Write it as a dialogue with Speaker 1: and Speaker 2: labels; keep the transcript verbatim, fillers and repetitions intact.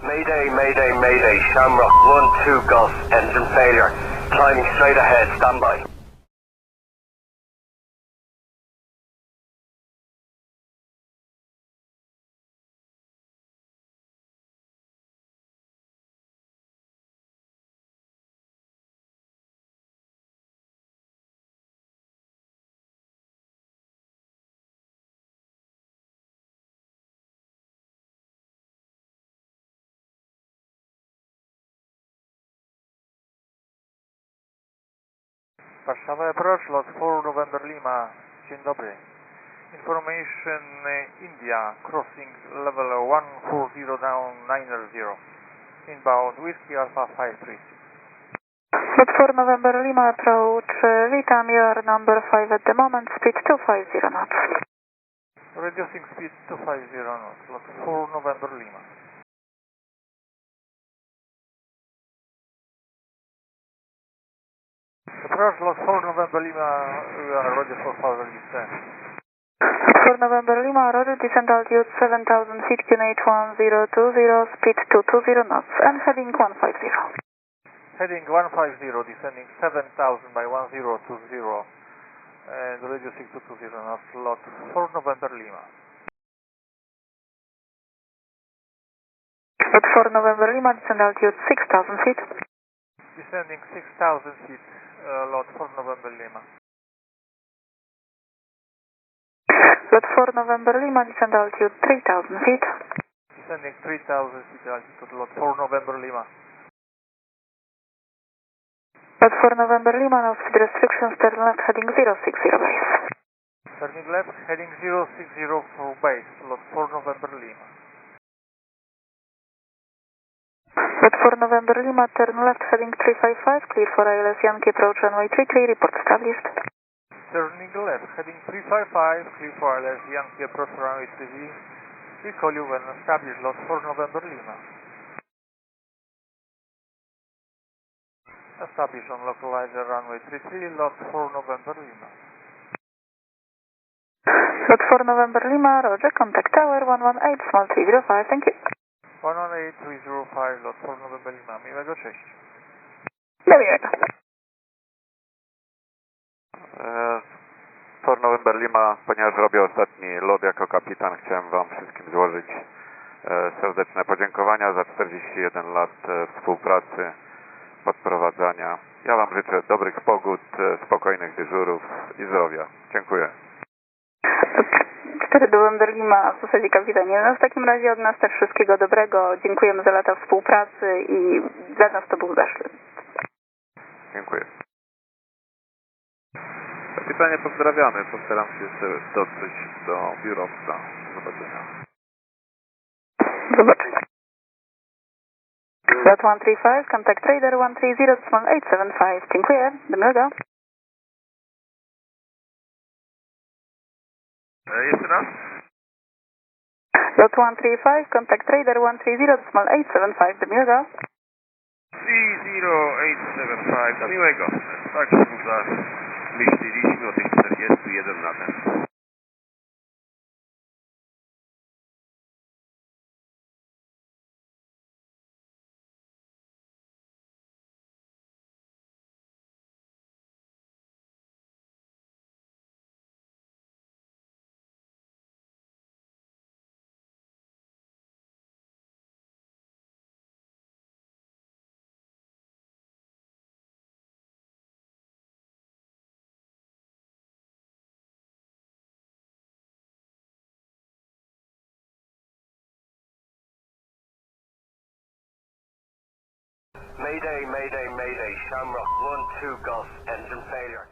Speaker 1: Mayday, mayday, mayday, Shamrock one two Gus, engine failure. Climbing straight ahead, standby.
Speaker 2: Warszawa Approach, lot four November Lima. Dzień dobry. Information uh, India, crossing level one four zero down nine zero. Inbound Whiskey Alpha five three six.
Speaker 3: Lot four November Lima approach, uh, Vitam, you are number five at the moment, speed two five zero knots.
Speaker 2: Reducing speed two five zero knots, lot four November Lima. Approach, lot four November Lima, we are ready for further descent.
Speaker 3: four November Lima, roger, descent altitude seven thousand feet, Q N H one zero two zero, speed two two zero knots, and heading one five zero.
Speaker 2: Heading one five zero, descending seven thousand by one zero two zero, and reducing to two zero knots, lot four November Lima.
Speaker 3: Lot four November Lima, descent altitude six thousand feet.
Speaker 2: Descending six thousand feet, uh, lot four November Lima.
Speaker 3: Lot four November Lima, descent altitude three thousand feet.
Speaker 2: Descending three thousand feet altitude, lot four November Lima.
Speaker 3: Lot four November Lima, no speed restrictions, turn left, heading zero six zero base.
Speaker 2: Turning left, heading zero six zero for base, lot four November Lima.
Speaker 3: Lot four November Lima, turn left, heading three five five, clear for I L S Yankee, approach runway three three, report established.
Speaker 2: Turning left, heading three five five, clear for I L S Yankee, approach runway three three. We call you when established, lot four November Lima. Establish on localizer runway three three, lot four November Lima.
Speaker 3: Lot four November Lima, roger, contact tower one one eight, small three zero five, thank you.
Speaker 2: one one eight three zero five, lot four November Lima, miłego, cześć.
Speaker 3: Do miłego.
Speaker 4: four November Lima, ponieważ robię ostatni lot jako kapitan, chciałem Wam wszystkim złożyć serdeczne podziękowania za czterdzieści jeden lat współpracy, podprowadzania. Ja Wam życzę dobrych pogód, spokojnych dyżurów i zdrowia. Dziękuję.
Speaker 3: cztery November Lima, w zasadzie kapitanie. No w takim razie od nas też wszystkiego dobrego. Dziękujemy za lata współpracy i dla nas to był zaszczyt.
Speaker 4: Dziękuję. Kapitanie, pozdrawiamy. Postaram się jeszcze dotrzeć do biurowca. Do zobaczenia.
Speaker 3: Zobaczenia. Lot one three five, contact trader one three zero, small eight seven five. Dziękuję. Do miłego.
Speaker 4: Jeszcze raz?
Speaker 3: Lot one three five, contact trader one three zero, small eight seven five. Do miłego.
Speaker 4: three zero eight seven five. Do miłego. Tak, za myśleliśmy o tych czterdziestu jeden latach.
Speaker 1: Mayday, mayday, mayday, Shamrock one two Gus, engine failure.